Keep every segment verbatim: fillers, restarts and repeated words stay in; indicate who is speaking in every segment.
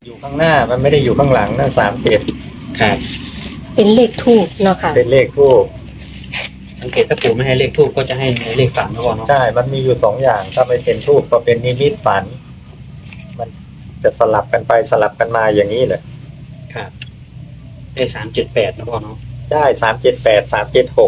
Speaker 1: อยู่ข้างหน้ามันไม่ได้อยู่ข้างหลังนะสามเจ็ด
Speaker 2: ครับ
Speaker 3: เป็นเลขทูปเนาะค่ะ
Speaker 1: เป็นเลขทูป
Speaker 2: สังเกตถ้าปู่ไม่ให้เลขทูปก็จะให้เลขฝันก่อนเนาะ
Speaker 1: ใช่มันมีอยู่สองอย่างถ้าไม่เป็นทูปก็เป็นนิมิตฝันมันจะสลับกันไปสลับกันมาอย่างนี้แหละ
Speaker 2: ครับได้สามเจ็ดแปดนะพ่อเนาะ
Speaker 1: ใช่สามเจ็ดแปดสามเจ็ดหก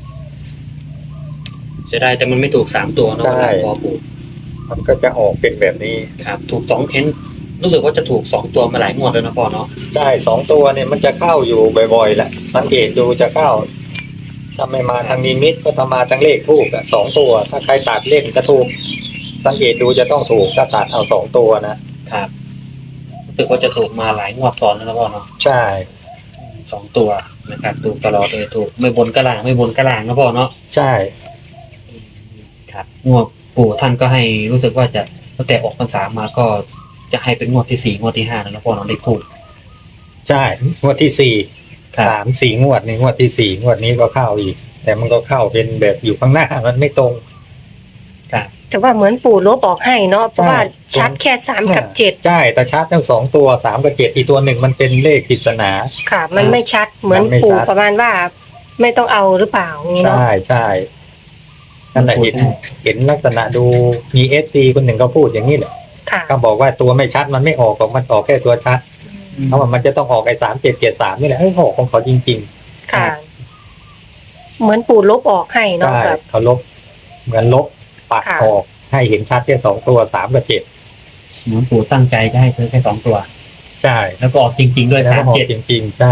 Speaker 2: จะได้แต่มันไม่ถูกสามตัวเนาะพ่อปู่
Speaker 1: มันก็จะออกเป็นแบบนี้
Speaker 2: ครับถูกสองเพ้นรู้สึกว่าจะถูกสองตัวมาหลายงวดแล้วนะพ่อเนาะ
Speaker 1: ใช่สองตัวเนี่ยมันจะเข้าอยู่บ่อยๆแหละสังเกตดูจะเข้าถ้าไม่มาทางนิมิตก็จะมาทางเลขทูปสองตัวถ้าใครตัดเล่นจะถูกสังเกตดูจะต้องถูกถ้าตัดเอาสองตัวนะครับ
Speaker 2: รู้สึกว่าจะถูกมาหลายงวดซ้อนแล้วนะพ่อเนาะ
Speaker 1: ใช่
Speaker 2: สองตัวนะครับถูกตลอดเลยถูกไม่บนกระหล่างไม่บนกระหล่างนะพ่อเนาะ
Speaker 1: ใช่
Speaker 2: ครับงวดปู่ท่านก็ให้รู้สึกว่าจะตั้งแต่ออกพรรษามาก็จะให้เป็นงวดที่สี่งวดที่ห้าแล้วนะพ่อเนาะเลขถูก
Speaker 1: ใช่งวดที่สี่สามสี่งวดในงวดที่สี่งวดนี้ก็เข้าอีกแต่มันก็เข้าเป็นแบบอยู่ข้างหน้ามันไม่ตรง
Speaker 2: ครับ
Speaker 3: แต่ว่าเหมือนปู่ลบออกให้เนาะเพราะว่าชัดแค่สามกับเจ็ด
Speaker 1: ใช่แต่ชัดทั้งสองตัวสามกับเจ็ดอีกตัวหนึ่งมันเป็นเลขปริศนา
Speaker 3: ค่ะมันไม่ชัดเหมือนปู่ประมาณว่าไม่ต้องเอาหรือเปล่า
Speaker 1: ใช่ใช่นั่นแหละเห็นเห็นลักษณะดูมีเอฟซีคนหนึ่งเขาพูดอย่างนี้แหละเขาบอกว่าตัวไม่ชัดมันไม่ออกของมันออกแค่ตัวชัดเพราะว่ามันจะต้องออกไอ้สามเจ็ดเจ็ดสามนี่แหละไอ้หอกของเขาจริง
Speaker 3: ๆค่ะเหมือนปู่ลบออกให้เนาะแบบ
Speaker 1: เขาลบเหมือนลบปัดออกให้เห็นชัดแค่สองตัวสามกับเจ็ด
Speaker 2: เหมือนปู่ตั้งใจจะให้ซื้อแค่สองตัว
Speaker 1: ใช่
Speaker 2: แล้วก็ออกจริงๆด้วยสามเจ็ด
Speaker 1: จริงๆใช่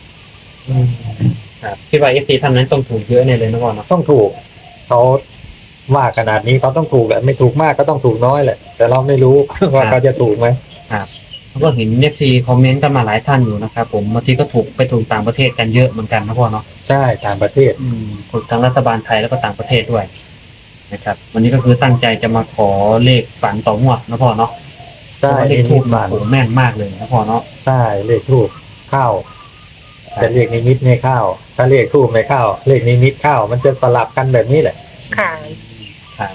Speaker 2: ครับคิดว่าเอฟซีท่านนั้นต้องถูกเยอะแน่เลยนะพ่อเนาะ
Speaker 1: ต้องถูกเขาว่าขนาดนี้เขาต้องถูกแหละไม่ถูกมากก็ต้องถูกน้อยแหละแต่เราไม่รู้ว่าเขาจะถูกไหม
Speaker 2: ครับก็เห็นเอฟซีคอมเมนต์กันมาหลายท่านอยู่นะครับผมบางทีก็ถูกไปถูกต่างประเทศกันเยอะเหมือนกันนะพ่อเนาะ
Speaker 1: ใช่ต่างประเทศ
Speaker 2: อืมถูกทั้งรัฐบาลไทยแล้วก็ต่างประเทศด้วยนะครับวันนี้ก็คือตั้งใจจะมาขอเลขฝันต่องวดนะพ่อเนาะ
Speaker 1: ใช่
Speaker 2: เลขทูบมาโอ้แม่นมากเลยนะพ่อเนาะ
Speaker 1: ใช่เลขทูบเข้าแต่เลขนิมิตไม่เข้าถ้าเลขทูบไม่เข้าเลขนิมิตเข้ามันจะสลับกันแบบนี้แหละ
Speaker 3: ค่ะ
Speaker 2: ครับ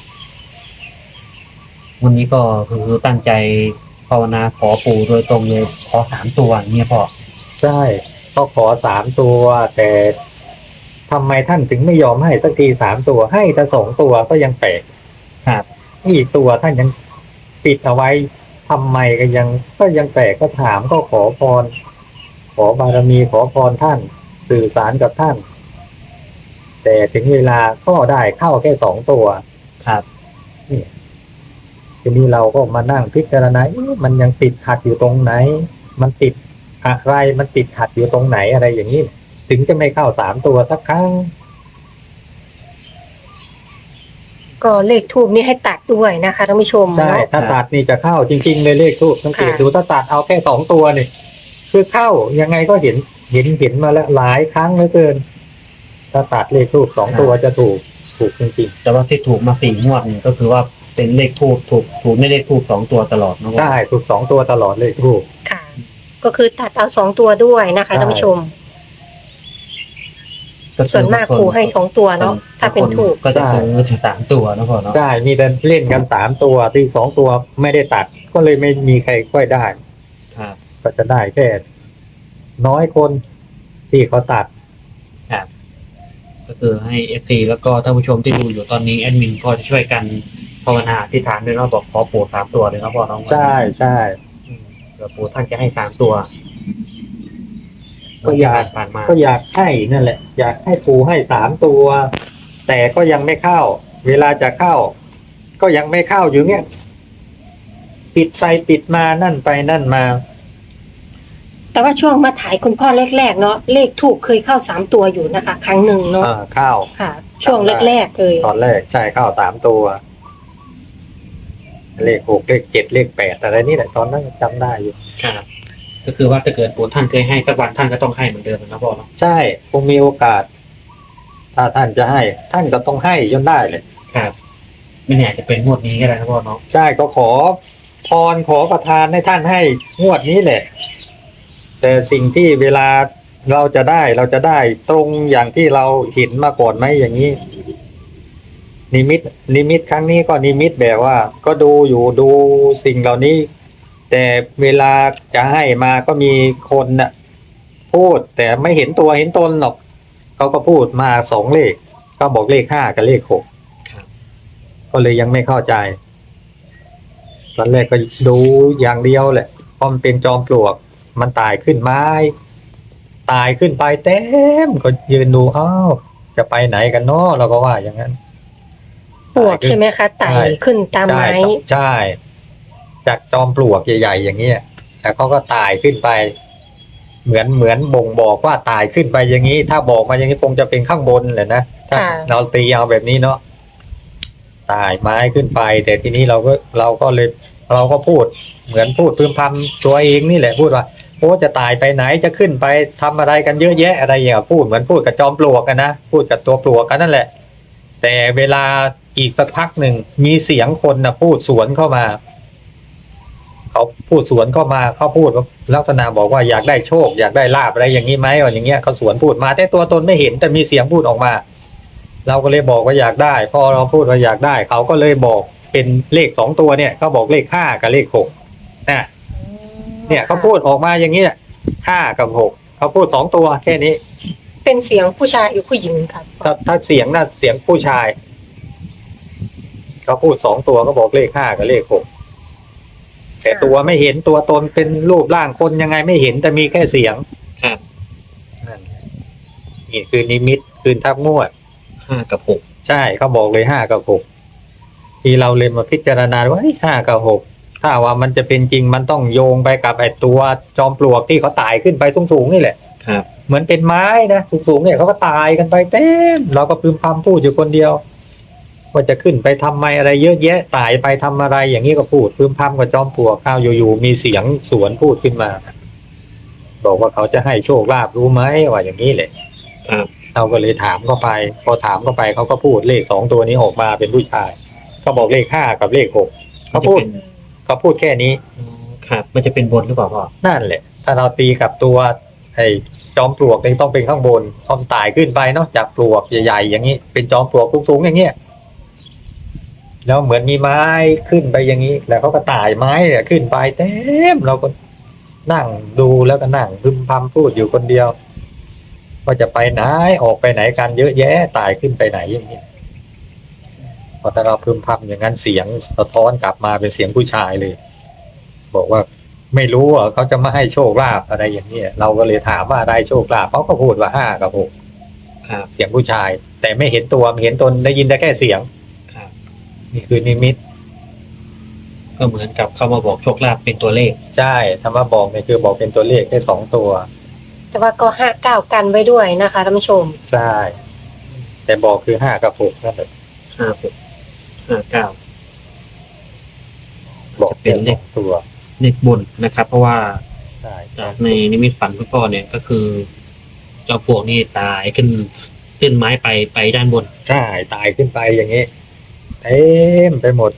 Speaker 2: วันนี้ก็คือตั้งใจภาวนาขอปู่โดยตรงเลยขอสามตัวเนี่ยพ่อ
Speaker 1: ใช่ก็ขอสามตัวแต่ทำไมท่านถึงไม่ยอมให้สักทีสามตัวให้แต่สองตัวก็ยังแปลก
Speaker 2: ครับ
Speaker 1: อีกตัวท่านยังปิดเอาไว้ทำไมก็ยังก็ยังแปลกก็ถามก็ขอพรขอบารมีขอพรท่านสื่อสารกับท่านแต่ถึงเวลาก็ได้เข้าแค่สองตัว
Speaker 2: ครับ
Speaker 1: นี่ทีนี้เราก็มานั่งพิจารณามันยังติดขัดอยู่ตรงไหนมันติดอะไรมันติดขัดอยู่ตรงไหนอะไรอย่างนี้ถึงจะไม่เข้าสามตัวสักครั้ง
Speaker 3: ก็เลขทูบนี่ให้ตัดด้วยนะคะท่านผู้ชม
Speaker 1: ใช่ถ้าตัดนี่จะเข้าจริงๆเลยเลขทูบสังเกตดูถ้าตัดเอาแค่สองตัวนี่คือเข้ายังไงก็เห็นเห็นเห็นมาแล้วหลายครั้งเหลือเกินถ้าตัดเลขทูบสองตัวจะถูกถูกจริงๆ
Speaker 2: แต่ว่าที่ถูกมาสี่งวดนี่ก็คือว่าเป็นเลขทูบถูกถูกไม่เลขทูบสองตัวตลอดนะ
Speaker 1: ใช่ถูกสองตัวตลอดเลขทูบ
Speaker 3: ค่ะก็คือตัดเอาสองตัวด้วยนะคะท่านผู้ชมส่วนมากครูให้สองตัวเนาะถ้าเป็นถูก
Speaker 2: ก็จะคือจะสามตัวนะพ่อเนาะ
Speaker 1: ใช่มีแต่เล่นกันสามตัวที่สองตัวไม่ได้ตัดก็เลยไม่มีใครค่อยได้
Speaker 2: ครับ
Speaker 1: ก็จะได้แค่น้อยคนที่เขาตัด
Speaker 2: ครับก็คือให้เอฟซีแล้วก็ท่านผู้ชมที่ดูอยู่ตอนนี้แอดมินก็จะช่วยกันภาวนาอธิษฐานด้วยเนาะบอกขอปู่สามตัวเลยนะพ่อน้อง
Speaker 1: ใช่ใช่
Speaker 2: เดี๋ยวปู่ท่านจะให้สามตัว
Speaker 1: ก็อยากก็อยากให้นั่นแหละอยากให้ปู่ให้สามตัวแต่ก็ยังไม่เข้าเวลาจะเข้าก็ยังไม่เข้าอยู่เนี้ยปิดไปปิดมานั่นไปนั่นมา
Speaker 3: แต่ว่าช่วงมาถ่ายคุณพ่อแรกๆเนาะเลขถูกเคยเข้าสามตัวอยู่นะคะครั้งหนึ่งเนาะ
Speaker 1: เข้า
Speaker 3: ค่ะช่วงแรกๆเลย
Speaker 1: ตอนแรกใช่เข้าสามตัวเลขหกเลขเจ็ดเลขแปดอะไรนี่แหละตอนนั้นจำได้อยู่
Speaker 2: ครับก็คือว่าถ้าเกิดปู่ท่านเคยให้สักวันท่านก็ต้องให้เหมือนเดิมนะพ่อเนาะ
Speaker 1: ใช่คงมีโอกาสถ้าท่านจะให้ท่านก็ต้องให้จนได้เลย
Speaker 2: ครับไม่แน่จะเป็นงวดนี้ก็ได้นะพ่อเนาะ
Speaker 1: ใช่ก็ขอพรขอประทานให้ท่านให้งวดนี้แหละแต่สิ่งที่เวลาเราจะได้เราจะได้ตรงอย่างที่เราเห็นมาก่อนไหมอย่างนี้นิมิตนิมิตครั้งนี้ก็นิมิตแบบว่าก็ดูอยู่ดูสิ่งเหล่านี้แต่เวลาจะให้มาก็มีคนน่ะพูดแต่ไม่เห็นตัวเห็นตนหรอกเขาก็พูดมาสองเลขก็บอกเลขห้ากับเลขหก
Speaker 2: ครับ
Speaker 1: ก็เลยยังไม่เข้าใจตอนแรกก็ดูอย่างเดียวแหละเพราะมันเป็นจอมปลวกมันตายขึ้นไม้ตายขึ้นไปเต็มก็ยืนดูอ้าวจะไปไหนกันเนาะเราก็ว่าอย่างนั้น
Speaker 3: ปวกใช่ไหมคะไต่ขึ้นตามไม้
Speaker 1: ใช่ใช่จากจอมปลวกใหญ่ๆอย่างเงี้ยแต่เขาก็ตายขึ้นไป เหมือนเหมือนบ่งบอกว่าตายขึ้นไปอย่างนี้ ถ้าบอกมาอย่างนี้คงจะเป็นข้างบนแหละนะถ้า
Speaker 3: ค่ะ
Speaker 1: เราตีเอาแบบนี้เนาะตายไม้ขึ้นไป แต่ทีนี้เราก็เราก็เลยเราก็พูด เหมือนพูดพึมพำตัวเองนี่แหละพูดว่าโอ้จะตายไปไหนจะขึ้นไปทำอะไรกันเยอะแยะอะไรอย่างเงี้ยพูดเหมือนพูดกับจอมปลวกกันนะพูดกับตัวปลวกกันนั่นแหละ แต่เวลาอีกสักพักหนึ่งมีเสียงคนนะพูดสวนเข้ามาเขาพูดสวนเข้ามาเขาพูดลักษณะบอกว่าอยากได้โชคอยากได้ลาภอะไรอย่างนี้ไหมอะไรอย่างเงี้ยเขาสวนพูดมาแต่ตัวตนไม่เห็นแต่มีเสียงพูดออกมา เราก็เลยบอกว่าอยากได้พอเราพูดว่าอยากได้เขาก็เลยบอกเป็นเลขสองตัวเนี่ยเขาบอกเลขห้ากับเลขหกนะเนี่ยเขาพูดออกมาอย่างนี้ห้ากับหกเขาพูดสองตัวแค่นี้
Speaker 3: เป็นเสียงผู้ชายหรือผู้หญิงครับ
Speaker 1: ถ้าถ้าเสียงน่ะเสียงผู้ชายเขาพูดสองตัวก็บอกเลขห้ากับเลขหกแต่ตัวไม่เห็นตัวตนเป็นรูปร่างคนยังไงไม่เห็นแต่มีแค่เสียง
Speaker 2: ครับ
Speaker 1: นั่นนี่คือนิมิตคืนทับงวด
Speaker 2: ห้ากับหก
Speaker 1: ใช่เขาบอกเลยห้ากับหกที่เราเลยมาพิจารณาว่าห้ากับหกถ้าว่ามันจะเป็นจริงมันต้องโยงไปกับไอ้ตัวจอมปลวกที่เขาตายขึ้นไปสูงๆนี่แหละ
Speaker 2: ครับ
Speaker 1: เหมือนเป็นไม้นะสูงๆเนี่ยเขาก็ตายกันไปเต็มเราก็พึมพำพูดอยู่คนเดียวว่าจะขึ้นไปทำไมอะไรเยอะแยะตายไปทำอะไรอย่างนี้ก็พูดพึมพำกับจอมปลวกข้าวอยู่ๆมีเสียงสวนพูดขึ้นมาบอกว่าเขาจะให้โชคลาภรู้ไหมว่าอย่างนี้แหละ
Speaker 2: ครับ
Speaker 1: เราก็เลยถามเข้าไป พอถามเข้าไปเขาก็พูดเลขสองตัวนี้ออกมาเป็นผู้ชายเขาบอกเลขห้ากับเลขหกเขาพูดเขาพูดแค่นี้
Speaker 2: อืมครับ มันจะเป็นบนหรือเปล่าพ่อ
Speaker 1: นั่นแหละ ถ้าเราตีกับตัวไอ้จอมปลวกนี่ต้องเป็นข้างบนพอมนตายขึ้นไปเนาะจากปลวกใหญ่ๆอย่างนี้เป็นจอมปลวกสูงๆอย่างเงี้ยแล้วเหมือนมีไม้ขึ้นไปอย่างนี้ แล้วเขาก็ตายไม้เนี่ยขึ้นไปเต็มเราก็นั่งดูแล้วก็นั่งพึมพำพูดอยู่คนเดียวว่าจะไปไหนออกไปไหนกันเยอะแยะตายขึ้นไปไหนอย่างนี้พอแต่เราพึมพำอย่างนั้นเสียงสะท้อนกลับมาเป็นเสียงผู้ชายเลย บอกว่าไม่รู้ว่าเขาจะมาให้โชคลาภอะไรอย่างนี้เราก็เลยถามว่าได้โชคลาภเขาก็พูดว่าห้ากับหก
Speaker 2: ครับ
Speaker 1: เสียงผู้ชาย แต่ไม่เห็นตัวไม่เห็นตนได้ยินได้แค่เสียง
Speaker 2: ครับ
Speaker 1: นี่คือนิมิต
Speaker 2: ก็เหมือนกับเขามาบอกโชคลาภเป็นตัวเลข
Speaker 1: ใช่ธรรมะบอกเนี่ยคือบอกเป็นตัวเลขแค่สองตัว
Speaker 3: แต่ว่าก็ห้าเก้ากันไว้ด้วยนะคะท่านผู้ชม
Speaker 1: ใช่ แต่บอกคือห้ากับหกนั่นแหละ
Speaker 2: ห้าหกห้าเก้า
Speaker 1: บอก
Speaker 2: จะเป็นเลข
Speaker 1: สองตัว
Speaker 2: เลขบนนะครับ เพราะว่า
Speaker 1: ใช่
Speaker 2: จากในนิมิตฝันคุณพ่อเนี่ยก็คือ เจ้าปลวกนี่ตายขึ้นขึ้นไม้ไปไปด้านบน
Speaker 1: ใช่ตายขึ้นไปอย่างนี้เต็มไปหมด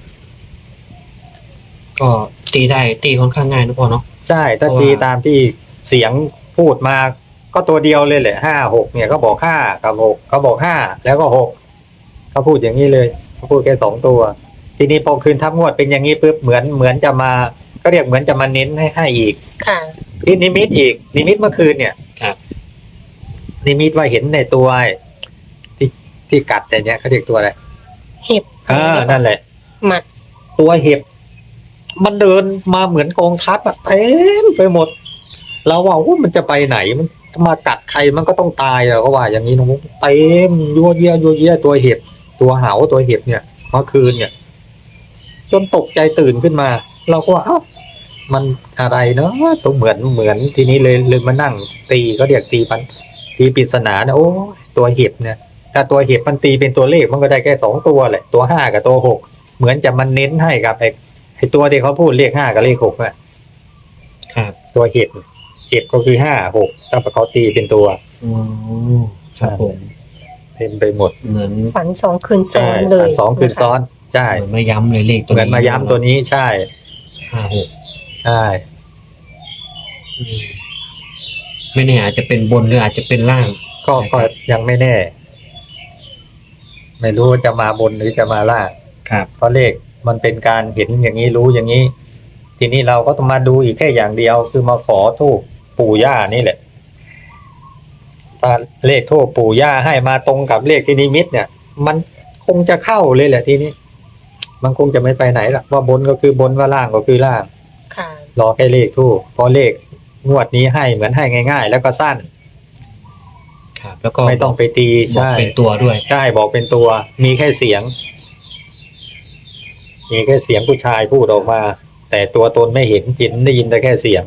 Speaker 2: ก็ตีได้ตีค่อนข้างง่ายนะพ่อเนาะ
Speaker 1: ใช่ถ้า
Speaker 2: เพราะว่า
Speaker 1: ตีตามที่เสียงพูดมาก็ตัวเดียวเลยแหละห้าหกเนี่ยเขาบอกห้ากับหกเขาบอกห้าแล้วก็หกเขาพูดอย่างนี้เลยเขาพูดแค่สองตัว ทีนี้พอคืนทับงวดเป็นอย่างนี้ปุ๊บเหมือนเหมือนจะมาก็เรียกเหมือนจะมาเน้นให้ให้อีก
Speaker 3: ค่ะ
Speaker 1: ที่นิมิตอีกนิมิตเมื่อคืนเนี่ย
Speaker 2: ครับ
Speaker 1: นิมิตว่าเห็นในตัวที่ที่กัดแต่เนี้ยเขาเรียกตัวอะไร
Speaker 3: เห็บ
Speaker 1: เออนั่นแหละ
Speaker 3: หมัด
Speaker 1: ตัวเห็บ มันเดินมาเหมือนกองทัพอะเต็มไปหมด เราว่าโอ้มันจะไปไหนมันมากัดใครมันก็ต้องตายเราก็ว่า อย่างนี้น้องเต็มยัวเยี่ยยัวเยี่ยตัวเห็บ ตัวเหาตัวเห็บเนี่ยเมื่อคืนเนี่ย จนตกใจตื่นขึ้นมา เราก็ว่าเอ้ามันอะไรเนาะตัวเหมือนเหมือนทีนี้เลยเลยมานั่ง ตีก็เรียกตีปันตีปริศนานะโอ้ตัวเห็บเนี่ย ถ้าตัวเห็บมันตีเป็นตัวเลขมันก็ได้แค่สองตัวแหละตัวห้ากับตัวหกเหมือนจะมันเน้นให้กับไอ้ไอ้ตัวที่เขาพูดเลขห้ากับเลขหกน่ะ
Speaker 2: ครับ
Speaker 1: ตัวเห็บเห็บก็คือห้าหกถ้าเขาตีเป็นตัว
Speaker 2: อืมครับผม
Speaker 1: เต็มไปหมด
Speaker 2: เหมือน
Speaker 3: ฝันสองคืนซ้อ
Speaker 1: ใช่
Speaker 3: นเลย
Speaker 1: สองคืนซ้อนใช่
Speaker 2: เหมือนมาย้ำเลยเลขตัว
Speaker 1: เหมือนมาย้ำตัวนี้ใช่
Speaker 2: ห้าหก
Speaker 1: ใช่
Speaker 2: อืมไม่แน่อาจจะเป็นบนหรืออาจจะเป็นล่าง
Speaker 1: ก็ก็ยังไม่แน่ ไม่รู้จะมาบนหรือจะมาล่าง
Speaker 2: ครับ
Speaker 1: เพราะเลขมันเป็นการเห็นอย่างนี้รู้อย่างนี้ทีนี้เราก็ต้องมาดูอีกแค่อย่างเดียว คือมาขอทูปปู่ย่านี่แหละถ้าเลขทูปปู่ย่าให้มาตรงกับเลขที่นิมิตเนี่ย มันคงจะเข้าเลยแหละทีนี้มันคงจะไม่ไปไหนหรอกว่าบนก็คือบนว่าล่างก็คือล่าง
Speaker 3: ค่ะ
Speaker 1: รอแค่เลขทูปพอเลขงวดนี้ให้เหมือนให้ง่าย ๆ แล้วก็สั้น
Speaker 2: ครับ แล้วก็
Speaker 1: ไม่ต้องไปตี
Speaker 2: บอก
Speaker 1: ใช่
Speaker 2: เป็นตัวด้วย
Speaker 1: ใช่บอกเป็นตัว มีแค่เสียง มีแค่เสียงผู้ชายพูดออกมา แต่ตัวตนไม่เห็นเห็นได้ยินแต่แค่เสียง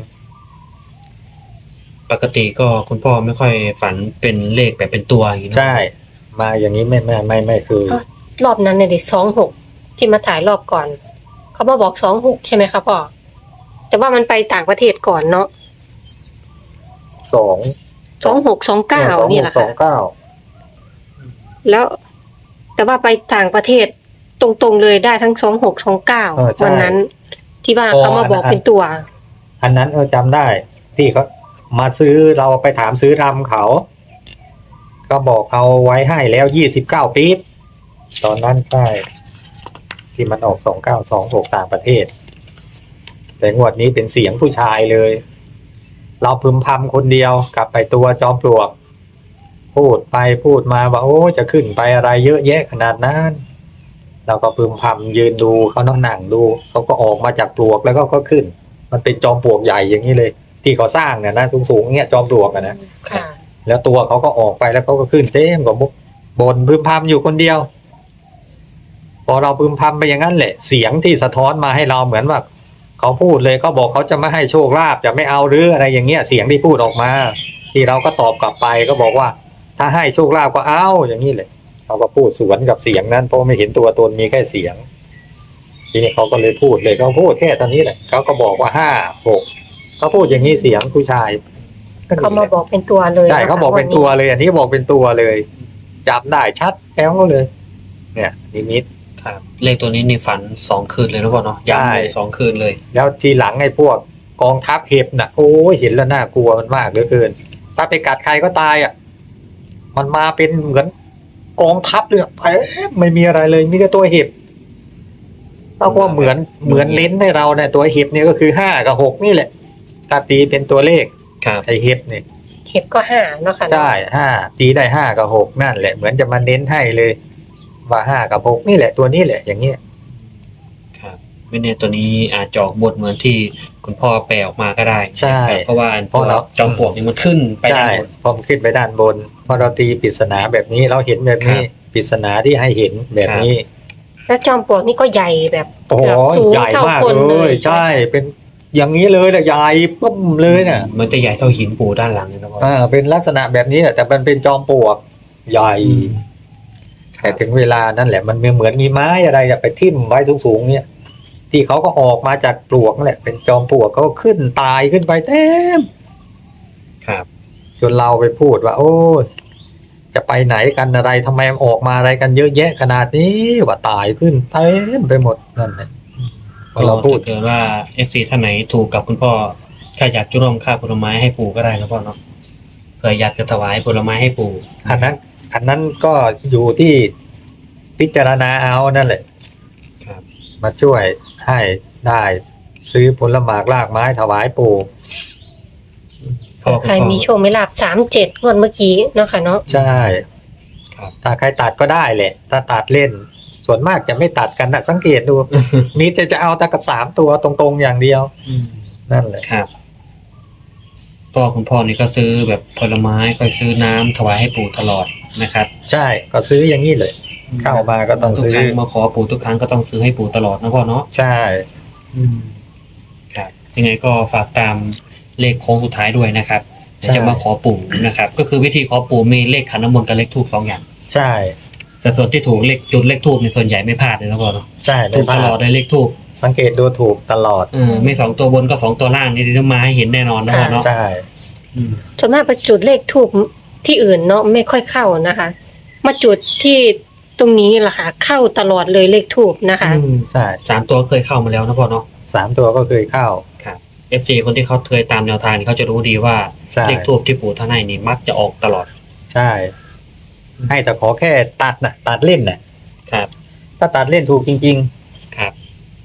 Speaker 2: ปกติก็คุณพ่อไม่ค่อยฝันเป็นเลขแบบเป็นตัวอย่างนี้เนอะ
Speaker 1: ใช่ มาอย่างนี้ไม่ไม่ไม่ไม่คือ
Speaker 3: รอบนั้นเนี่ยเด็กสองหกที่มาถ่ายรอบก่อน เขามาบอกสองหกใช่ไหมคะพ่อแต่ว่ามันไปต่างประเทศก่อนเนาะ
Speaker 1: สอง
Speaker 3: สองหกสองเก้านี่แหละ
Speaker 1: สอ
Speaker 3: ค่ะ
Speaker 1: งเก้า
Speaker 3: แล้ว แต่ว่าไปต่างประเทศตรงๆเลยได้ทั้งสองหกสองเก้าวันนั้น ที่ว่าเขามาบอกเป็นตัว
Speaker 1: อันนั้นเออจำได้ ที่เขามาซื้อเราไปถามซื้อรำเขา ก็บอกเอาไว้ให้แล้วยี่สิบเก้าปี๊บตอนนั้นใช่ที่มันออกสองเก้าสองหกต่างประเทศ แต่งวดนี้เป็นเสียงผู้ชายเลย เราพึมพำคนเดียวกลับไปตัวจอมปลวก พูดไปพูดมาว่าโอ้จะขึ้นไปอะไรเยอะแยะขนาดนั้นเราก็พึมพำยืนดูเขานั่งหนังดูเขาก็ออกมาจากปลวกแล้วก็ก็ขึ้น มันเป็นจอมปลวกใหญ่อย่างนี้เลย ที่เขาสร้างเนี่ยนะสูงๆเงี้ยจอมปลวกอะนะ
Speaker 3: ค่ะ
Speaker 1: แล้วตัวเขาก็ออกไปแล้วเขาก็ขึ้นเต็มกว่ามุกบนพึมพำอยู่คนเดียว พอเราพึมพำไปอย่างนั้นแหละ เสียงที่สะท้อนมาให้เราเหมือนว่าเขาพูดเลยเขาบอกเขาจะไม่ให้โชคลาภจะไม่เอาหรืออะไรอย่างเงี้ยเสียงที่พูดออกมา ที่เราก็ตอบกลับไปก็บอกว่า ถ้าให้โชคลาภก็เอาอย่างนี้เลยเขาก็พูดสวนกับเสียงนั้นเพราะไม่เห็นตัวตนมีแค่เสียง ทีนี้เขาก็เลยพูดเลยเขาพูดแค่ตอนนี้แหละเขาก็บอกว่าห้าหกเขาพูดอย่างนี้เสียงผู้ชาย
Speaker 3: เขามาบอกเป็นตัวเลย
Speaker 1: ใช่เขาบอกเป็นตัวเลย อันนี้บอกเป็นตัวเลยจับได้ชัดแก้วเลย เนี่ยนิมิต
Speaker 2: ครับ เลขตัวนี้นี่ฝันสองคืนเลยนะพ่อเนาะ
Speaker 1: ใช่
Speaker 2: ย้ำเลยสองคืนเลย
Speaker 1: แล้วทีหลังไอ้พวกกองทัพเห็บน่ะโอ้ยเห็นแล้วน่ากลัวมันมากเหลือเกิน ถ้าไปกัดใครก็ตายอ่ะ มันมาเป็นเหมือนกองทัพเลยเอ๊ะไม่มีอะไรเลยมีแต่ตัวเห็บเราก็เหมือนเหมือนเลนส์ให้เราเนี่ยตัวเห็บเนี่ยก็คือห้ากับหกนี่แหละถ้าตีเป็นตัวเลข
Speaker 2: ครับ
Speaker 1: ไอ้เห็บเนี่ย
Speaker 3: เห็บก็ห้าเนาะค่ะ
Speaker 1: ใช่ห้าตีได้ห้ากับหกนั่นแหละเหมือนจะมาเน้นให้เลย ว่าห้ากับหกนี่แหละตัวนี้แหละอย่างเงี้ย
Speaker 2: ครับ ไม่แน่ตัวนี้อาจจะออกบทเหมือนที่คุณพ่อแปลออกมาก็ได้
Speaker 1: ใช่
Speaker 2: ครับเพราะว่า
Speaker 1: เพราะเรา
Speaker 2: จอมปลวกนี่มันขึ้นไปด้า
Speaker 1: ใช่
Speaker 2: นบน
Speaker 1: พอมนขึ้นไปด้านบนพอเราตีปริศนาแบบนี้เราเห็นแบบนี้
Speaker 2: ครับ
Speaker 1: ปริศนาที่ให้เห็นแบบนี้
Speaker 3: แล้วจอมปลวกนี่ก็ใหญ่แบบ
Speaker 1: โอ้โห
Speaker 3: แบบสูง
Speaker 1: ใหญ่
Speaker 3: เท่าม
Speaker 1: าก
Speaker 3: คน
Speaker 1: เล
Speaker 3: เลย ย
Speaker 1: ใช่เป็นอย่างนี้เลยนะใหญ่ปุ๊บเลยน่ะ
Speaker 2: มันจะใหญ่เท่าหินปูด้านหลังเลยนะพ่อ
Speaker 1: อ่าเป็นลักษณะแบบนี้แหละแต่มันเป็นจอมปลวกใหญ่ แต่ถึงเวลานั่นแหละมันเหมือนมีไม้อะไรอะไปทิ่มไว้สูงๆเนี่ยที่เขาก็ออกมาจากปลวกนั่นแหละเป็นจอมปลวกเขาก็ขึ้นตายขึ้นไปเต็ม
Speaker 2: ครับ
Speaker 1: จนเราไปพูดว่า โอ้ยจะไปไหนกันอะไรทำไมมันออกมาอะไรกันเยอะแยะขนาดนี้ว่าตายขึ้นเต็มไปหมดนั่นแหละพ
Speaker 2: ก็
Speaker 1: อเราพูด
Speaker 2: ถ้าเกิดว่าเอฟซีท่านไหนถูกกับคุณพ่อแค่อยากจะร่วมค่าผลไม้ให้ปู่ก็ได้นะพ่อเนาะเผื่ออยากจะถวายผลไม้ให้ปู่
Speaker 1: อันนั้น อันนั้นก็อยู่ที่พิจารณาเอานั่นแหละ
Speaker 2: ครับ
Speaker 1: มาช่วยให้ได้ซื้อผลหมากรากไม้ถวายปู่
Speaker 2: พ่อคุณ
Speaker 3: ใคร
Speaker 2: พ่อ
Speaker 3: มีโชคไม่ลาบสามเจ็ดงวดเมื่อกี้เนาะค่ะเนาะ
Speaker 1: ใช่
Speaker 2: ครับ
Speaker 1: ถ้าใครตัดก็ได้แหละ ถ้าตัดเล่น ส่วนมากจะไม่ตัดกันนะสังเกตดู มีแต่จะเอาแต่กับสามตัวตรงๆอย่างเดียว
Speaker 2: อืม
Speaker 1: นั่นแหละ
Speaker 2: ครับพ่อคุณพ่อนี่ก็ซื้อแบบผลไม้ก็ซื้อน้ำถวายให้ปู่ตลอดนะครับ
Speaker 1: ใช่ก็ซื้ออย่างนี้เลย เข้ามาก็ต้อง
Speaker 2: ทุก
Speaker 1: ซื้อ
Speaker 2: ครั้งมาขอปู่ทุกครั้งก็ต้องซื้อให้ปู่ตลอดนะพ่อเนาะ
Speaker 1: ใช่
Speaker 2: ครับยังไงก็ฝากตามเลขโค้งสุดท้ายด้วยนะครับ
Speaker 1: ใช่
Speaker 2: จะมาขอปู่นะครับ ก็คือวิธีขอปู่มีเลขขันน้ำมนต์กับเลขทูบสองอย่าง
Speaker 1: ใช่
Speaker 2: แต่ส่วนที่ถูกเลขจุดเลขทูบในส่วนใหญ่ไม่พลาดเลยนะพ่อเนาะ
Speaker 1: ใช่
Speaker 2: ถู
Speaker 1: ไม่
Speaker 2: ก
Speaker 1: พ
Speaker 2: ต
Speaker 1: ลา
Speaker 2: ลอด
Speaker 1: ด
Speaker 2: เลยเลขทูบ
Speaker 1: สังเกตดูถูกตลอด
Speaker 2: เออไม่สองตัวบนก็สองตัวล่างนี่ที่ต้องมาให้เห็นแน่นอนนะพ่อเนาะ
Speaker 1: ใช่
Speaker 2: อืม
Speaker 3: ส่วนมากไปจุดเลขทูบที่อื่นเนาะไม่ค่อยเข้านะคะ มาจุดที่ตรงนี้แหละค่ะ เข้าตลอดเลยเลขทูบนะคะ
Speaker 1: อืมใช่
Speaker 2: สามตัวเคยเข้ามาแล้วนะพ่อเนาะ
Speaker 1: สามตัวก็เคยเข้า
Speaker 2: ครับ เอฟ ซี คนที่เขาเคยตามแนวทางนี่เขาจะรู้ดีว่า
Speaker 1: ใช่
Speaker 2: เลขทูบที่ปู่ท่านให้นี่มักจะออกตลอด
Speaker 1: ใช่ ให้แต่ขอแค่ตัดน่ะ ตัดเล่นน่ะ
Speaker 2: ครับ
Speaker 1: ถ้าตัดเล่นถูกจริง
Speaker 2: ครับ
Speaker 1: ๆ
Speaker 3: ตัด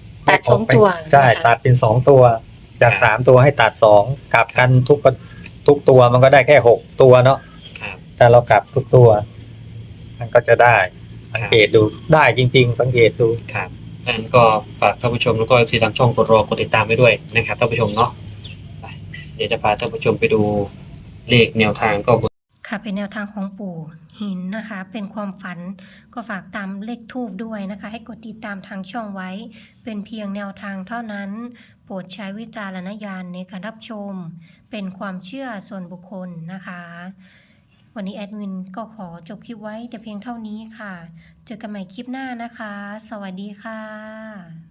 Speaker 3: สองตัว
Speaker 1: ใช่
Speaker 3: นะคะ
Speaker 1: ตัดเป็นสองตัว จาก
Speaker 2: ครับ
Speaker 1: สามตัวให้ตัดสองกลับกันทุกทุกตัวมันก็ได้แค่หกตัวเนาะ
Speaker 2: ครับ
Speaker 1: แต่เรากลับทุกตัว มันก็จะได้ สังเกตดูได้จริง ๆ สังเกตดู
Speaker 2: ครับงั้นก็ฝากท่านผู้ชมแล้วก็ทีทางช่องกดรอกดติดตามไว้ด้วยนะครับท่านผู้ชมเนาะไปเดี๋ยวจะพาท่านผู้ชมไปดูเลขแนวทางก็
Speaker 3: ค่ะเป็นแนวทางของปู่หินนะคะ เป็นความฝันก็ฝากตามเลขทูบด้วยนะคะ ให้กดติดตามทางช่องไว้ เป็นเพียงแนวทางเท่านั้น โปรดใช้วิจารณญาณในการรับชม เป็นความเชื่อส่วนบุคคลนะคะ วันนี้แอดมินก็ขอจบคลิปไว้แต่เพียงเท่านี้ค่ะ เจอกันใหม่คลิปหน้านะคะ สวัสดีค่ะ